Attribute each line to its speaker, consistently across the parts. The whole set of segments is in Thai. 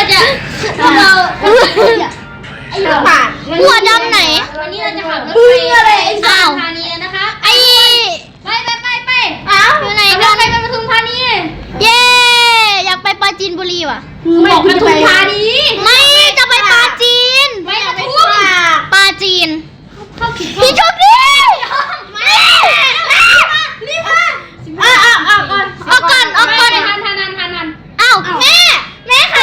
Speaker 1: จะพวกเราไอ้หัวบาท
Speaker 2: หัวดำไหน
Speaker 1: วันนี้เราจะขับรถไปอะไรไอ้สามธานีนะคะไปอ้าว
Speaker 2: อยู่ไหน
Speaker 1: รถไฟไปปทุมธานี
Speaker 2: เย้อยากไปปราจีนบุรีว่ะ
Speaker 1: บอกปทุมธานี
Speaker 2: ไม่จะไปปราจีน
Speaker 1: ไปปทุม
Speaker 2: ปราจีน
Speaker 1: เข้าผิด
Speaker 2: พี่โชคดี
Speaker 1: รีบมาออกก่อนทัน
Speaker 2: อ้าวแม่ค่ะ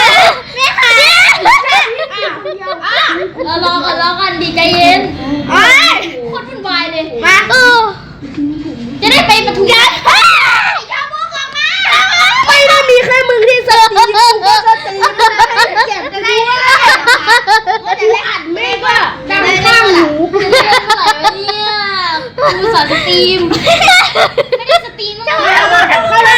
Speaker 1: รอกันดีใจเย็นโคตรวุ่นวายเลยมาจะได้ไปปทุมอย่าพูดออกมา
Speaker 3: ไม่ได้มีแค่มึงที่สตีฟกูก็สตีฟเจ็บจะได้จะได้อัดเมฆว่าดังข้างหู
Speaker 1: เนี่ยดูสอนสตรีมไม่ได้สตรีมมั้ง
Speaker 3: เข้าเลย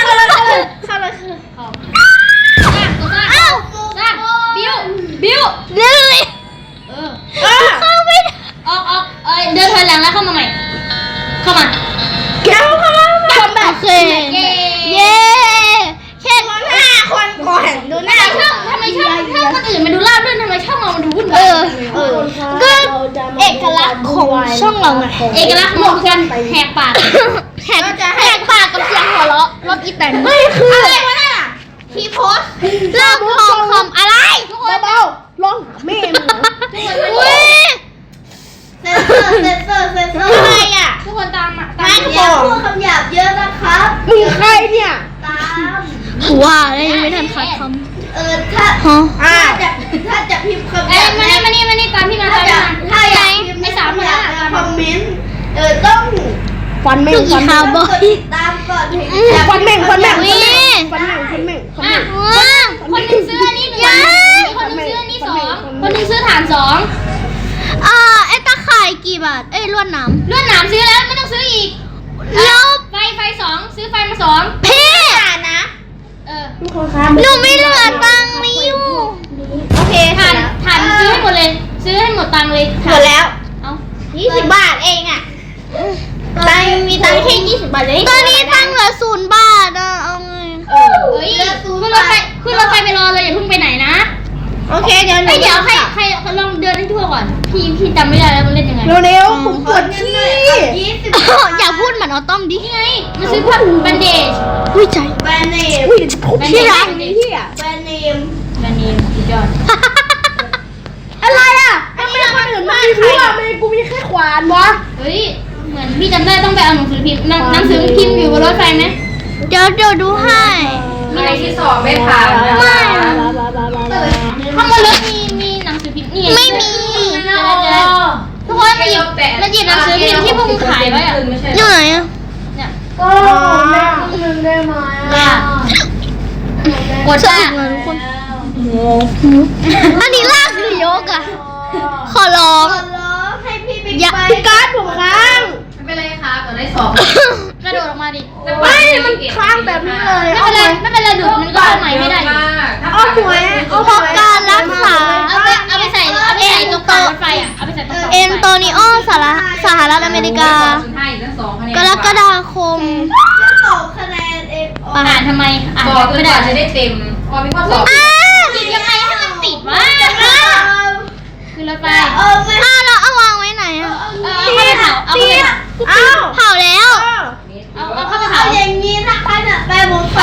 Speaker 1: อ้าวบิ้ว
Speaker 2: เลย เข้าไม่ได้
Speaker 1: ออกเดินถอยหลังแล้วเข้ามาใหม่เข้ามา
Speaker 3: แก้วเข้ามาแบบ
Speaker 2: โอเคเย้แค่
Speaker 3: 5 คนก่อนดูหน้า
Speaker 1: ทำไมช่องคนอื่นมันดูราบรื่นทำไมช่องเรามันดูวุ่นวาย
Speaker 2: ก็เอกลักษณ์ของช่องเราไง
Speaker 1: เอกลักษณ์ของการแหกปาก
Speaker 2: แหกปากกับเสียงหัวเราะรถอีแตน
Speaker 3: ไม่คือ
Speaker 1: อะไรวะน่ะพีโพส
Speaker 2: เลิกคอมอะไร
Speaker 3: เบาๆลองแม่มึง
Speaker 2: อุ้ย
Speaker 3: เซนเซอร์อะไรอ่ะ
Speaker 1: ทุกคนตาม
Speaker 3: ไม่บอกพูดคำหยาบเยอะนะครับมึงใครเนี่ยตาม
Speaker 2: ว้าเลยยังไม่ทันคัดคำ
Speaker 3: ถ้าจะพิมพ์คำหยาบ
Speaker 1: มานี่ตามพี่มาตาม
Speaker 3: ถ้าอยากพิมพ์ในคอมเมนต์ต้องฟันแม่งฟัน
Speaker 2: คาร์บอ
Speaker 3: กดติดตามก่อนฟันแม่งคนหนึ่ง
Speaker 1: ซื้ออันนี้1คนนึงซื้ออันนี้2คนนึงซื้อฐาน2
Speaker 2: ไอ้ตะข่ายกี่บาทลวดน้ำ
Speaker 1: ลวดหนามซื้อแล้วไม่ต้องซื้ออีก
Speaker 2: แล้ว
Speaker 1: ไฟ2ซื้อไฟมา2
Speaker 2: พี่
Speaker 1: นะ
Speaker 2: หนูไม่เหลือตังค์นี่อยู่
Speaker 1: โอเคฐานซื้อให้หมดเลยซื้อให้หมดตังค์เลย
Speaker 3: หมดแล้ว
Speaker 1: เอา
Speaker 3: 20 บาทเองอ่ะมีตังค์แค่20 บาทเลย
Speaker 2: ตอนนี้ตังค์เหลือ0 บาทเอาไง
Speaker 1: เฮ้ยขึ้นรถไฟไปรอเลยอย่าเพิ่งไปไหนนะ
Speaker 3: โอเคเดี๋ยว
Speaker 1: ใครลองเดินให้ทั่วก่อนพี่จำไม่ได้แล้วมันเล่นยังไง
Speaker 3: เร็วผมปวดขี้
Speaker 2: อย่าพูดเหมือนออต้อมดิ
Speaker 1: นี่ไงมันซื้อพวกแบนเดจ
Speaker 2: อุ้ยใจ
Speaker 3: แบรนด์เนม
Speaker 2: อุ้ย
Speaker 3: ที่ร้านนี้ที่แบรนด์เนม
Speaker 1: แบนเดจสุดยอด
Speaker 3: อะไรอ่ะทำไมคนอื่นมาใครอ่ะกูมีแค่ขวานวะ
Speaker 1: เฮ้ยเหมือนพี่จำได้ต้องไปเอาหนังสือพิมพ์หนังสือพิมพ์อยู่บนรถไฟไหม
Speaker 2: เดี๋ยวดูให้
Speaker 1: มีอะไรที่2ไม่ผ่านไม่ข้างบนรถมีหนังสือพิมพ์นี่
Speaker 2: ไม่มี
Speaker 1: ทุกคนมาหยิบหนังสือพิมพ์ที่พวกมึงขายไว้อะ
Speaker 2: อยู่ไหนอ่ะ
Speaker 1: เนี่ย
Speaker 3: ก็แม่นึงได้ไหม
Speaker 1: กด
Speaker 2: ส
Speaker 1: จ้า
Speaker 2: นุกเลยทุกคน อันนี้ลากหรือยกอ่ะ ขอร้อง
Speaker 3: ให้พี่บิ๊ก
Speaker 2: อย่า
Speaker 3: ไปการ์ดผมค้าง
Speaker 4: ไม่เป็นไรครับเดี๋ยวได้สอบ
Speaker 1: กระโดดออกมาดิ
Speaker 3: ไม่มันค้างแบบนี้เลย
Speaker 1: ไม่เป็นไรดูดมันก็เอาใหม่ไม่ได้
Speaker 3: เอาหวย
Speaker 2: เพราะการรักษา
Speaker 1: เอาไปใส่ตรงกลางรถไฟอ่ะเอาไปใส่ตรงกลาง
Speaker 2: เอนโตนิโอสหรัฐอเมริกา
Speaker 4: ให้ทั้ง2คะแนน
Speaker 2: กรกฎาคม
Speaker 3: 2 คะแนนเอง
Speaker 1: อ่านทำไมอ่าน
Speaker 4: สอบจ
Speaker 1: ไม่
Speaker 4: นก
Speaker 1: ได้
Speaker 4: ว่าจะได้เต็มพอมีข้อสอบ
Speaker 1: กินยังไงให้มันติดวะคือรถไฟ
Speaker 3: ไม่
Speaker 2: แล้วเอาวางไว้ไหนอ่ะ
Speaker 1: เอาเข้าไปเผาเอาเข้าไปเผา
Speaker 2: เผาแล้ว
Speaker 1: เอาเข้าไปเผา
Speaker 3: อย่างนี้นะคะเนี่ยไปผมกว่า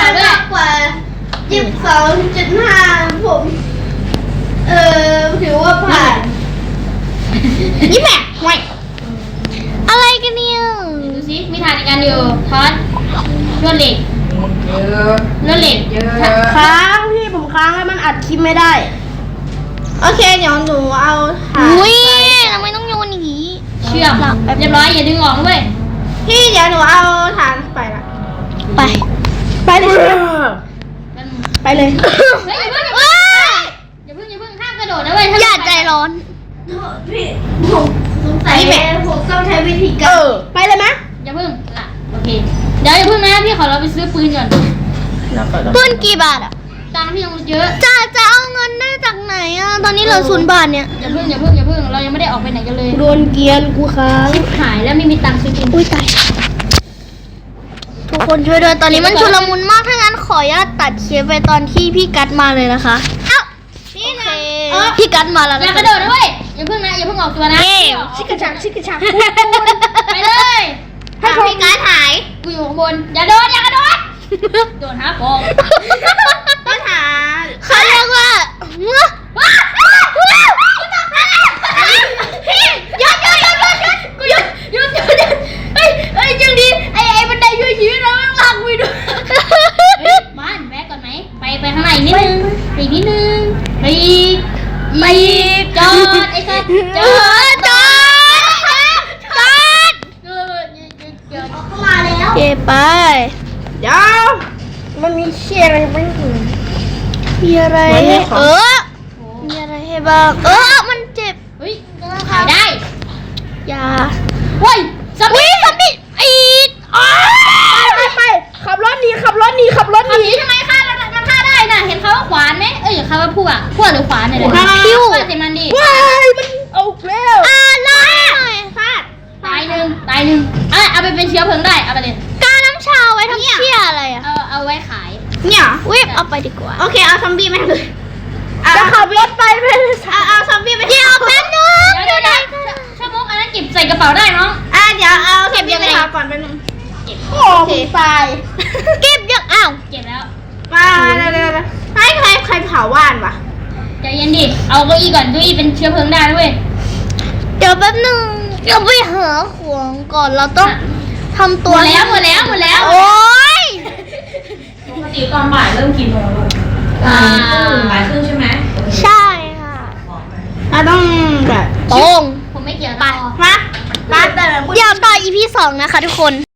Speaker 3: 22.5ผมถือว่าผ่าน
Speaker 2: นี่แม่ห่วยอะไรกันเนี่ย
Speaker 1: ดูสิมีฐานในการอยู่ทอดลวดเหล็ก
Speaker 4: เยอะ
Speaker 1: ลวดเหล็ก
Speaker 4: เยอะ
Speaker 3: ค้างพี่ผมค้างให้มันอัดคลิปไม่ได้โอเคเดี๋ยวหนูเอาถ่าน
Speaker 2: อุ้ยทำไมต้องโยนอย่างนี้
Speaker 1: เชื่อมเรียบร้อยอย่าดึงออกด้วย
Speaker 3: พี่เดี๋ยวหนูเอาถ่านไปละ
Speaker 2: ไป
Speaker 3: ไปเลยไปเลย
Speaker 1: เฮ้ยอย่าเพิ่งห้ามกระโดดนะเว้ย
Speaker 2: อย่าใจร้อน
Speaker 3: พี่ผมสงสัยผมต้องใช้วิธีการไปเลยไหม
Speaker 1: อย่าเพิ่งล่ะโอเคเดี๋ยวอย่าเพิ่งนะพี่ขอเราไปซื้อปืนก่อน
Speaker 2: ปืนกี่บาทอ่ะ
Speaker 1: ตังค์พี่ยังเยอะ
Speaker 2: จะเอาเงินได้จากไหนอ่ะ ตอนนี้เหลือ0 บาทเนี่ย
Speaker 1: อย่าเพิ่งเรายังไม่ได้ออกไปไหนกันเลย
Speaker 3: โดนเกียนกูค้าง
Speaker 1: ชิบหายแล้วไม่มีตังค์ซื้อกิน
Speaker 2: อุ้ยตาย ทุกคนช่วยด้วย ตอนนี้มันชุลมุนมาก ถ้างั้นขออนุญาตตัดคลิปไปตอนที่พี่กัดมาเลยนะคะ เอ้านี่นะพี่กันมาแล้ว
Speaker 1: อย่า
Speaker 2: นะ
Speaker 1: กระโดดด้วยอย่าเพิ่งนะอย่าเพิ่งออกตัวนะ
Speaker 3: ชิกกระชักชิกกระชัก
Speaker 1: ไปเลย
Speaker 2: ให้พี่กันหาย
Speaker 1: กูอยู่ข้างบนอย่าโดดอย่ากระโดดโดดหาฟอง
Speaker 2: ปัญหาเขาเรียกว่าพี่หยุด
Speaker 1: กูหยุดเฮ้ยจังดีไอ้บันไดช่วยชีวิตเราไม่ลากกูด้วยบ้านแวะก่อนไหมไปข้างในนิดนึงอีกนิดนึงไปอีกจอดไอ้สัตว์จอด
Speaker 3: เข้ามาแล้ว
Speaker 2: เก็บไป
Speaker 3: เดี๋ยวมันมีเชี่ยอะไรบ้าง
Speaker 2: มีอะไร
Speaker 3: มันมี
Speaker 2: ให้
Speaker 3: ของ
Speaker 2: มีอะไรให้บ้าง มันเจ็บ
Speaker 1: เฮ้ยขายได้
Speaker 2: ยา
Speaker 1: เฮ้ยสมิธ
Speaker 2: อีด
Speaker 3: ไปขับรถหนีขับรถหนี
Speaker 1: ทำนี้ทำไมฆ่ามันฆ่าได้น่ะเห็นเขาว่าขวานไหมอย่าเขาว่าพวกหรือขวานเนี่ยเลยฟาดใส่มันดิ
Speaker 3: ว้ายมันเอาแล้ว
Speaker 2: อะไร
Speaker 1: ฟาดตายหนึ่งเอาไปเป็นเชื้อเพลิงได้เอาไปเลย
Speaker 2: กาน้ำชาไว้ทำเชี่ยอะไรอ่ะ
Speaker 1: เอาไว้ขาย
Speaker 3: เนี่ย
Speaker 2: วิบเอาไปดีกว่า
Speaker 3: โอเคเอาซอมบี้มาเลยจะขับรถไปเอาซอมบี้ไป
Speaker 2: เดี๋ยวแป๊บนึง
Speaker 1: เดี๋ยวชั่วโมงอันนั้นเก็บใส่กระเป๋าได้น้อง
Speaker 3: เดี๋ยวเอาเก็บยังไงก่อนเป็นง
Speaker 1: เก็บ
Speaker 3: โอ้โหตาย
Speaker 2: เก็บยังอ้าว
Speaker 1: เก็บแล้ว
Speaker 3: มาเร็วๆให้ใครเผาว่านวะ
Speaker 1: ใจเย็นดิเอาเก้าอี้ก่อนเก้าอี้เป็นเชื้อเพลิงได้ด้วย
Speaker 2: เดี๋ยวแป๊บนึงเราไปหาของก่อนเราต้องทำ
Speaker 1: หม
Speaker 2: ตัว
Speaker 1: ดแล้ว
Speaker 2: โอ๊ย
Speaker 4: ปกติตอนบ่ายเริ่มกี่โมงลูก บ่ายครึ่งใช่ไหม
Speaker 2: ใช่ค่ะ
Speaker 3: ต้องแบบ
Speaker 2: ตรง
Speaker 1: ผมไม่เกี่ยวนะ
Speaker 3: มาเติม
Speaker 2: เดี๋ยวต่อ EP 2 นะคะทุกคน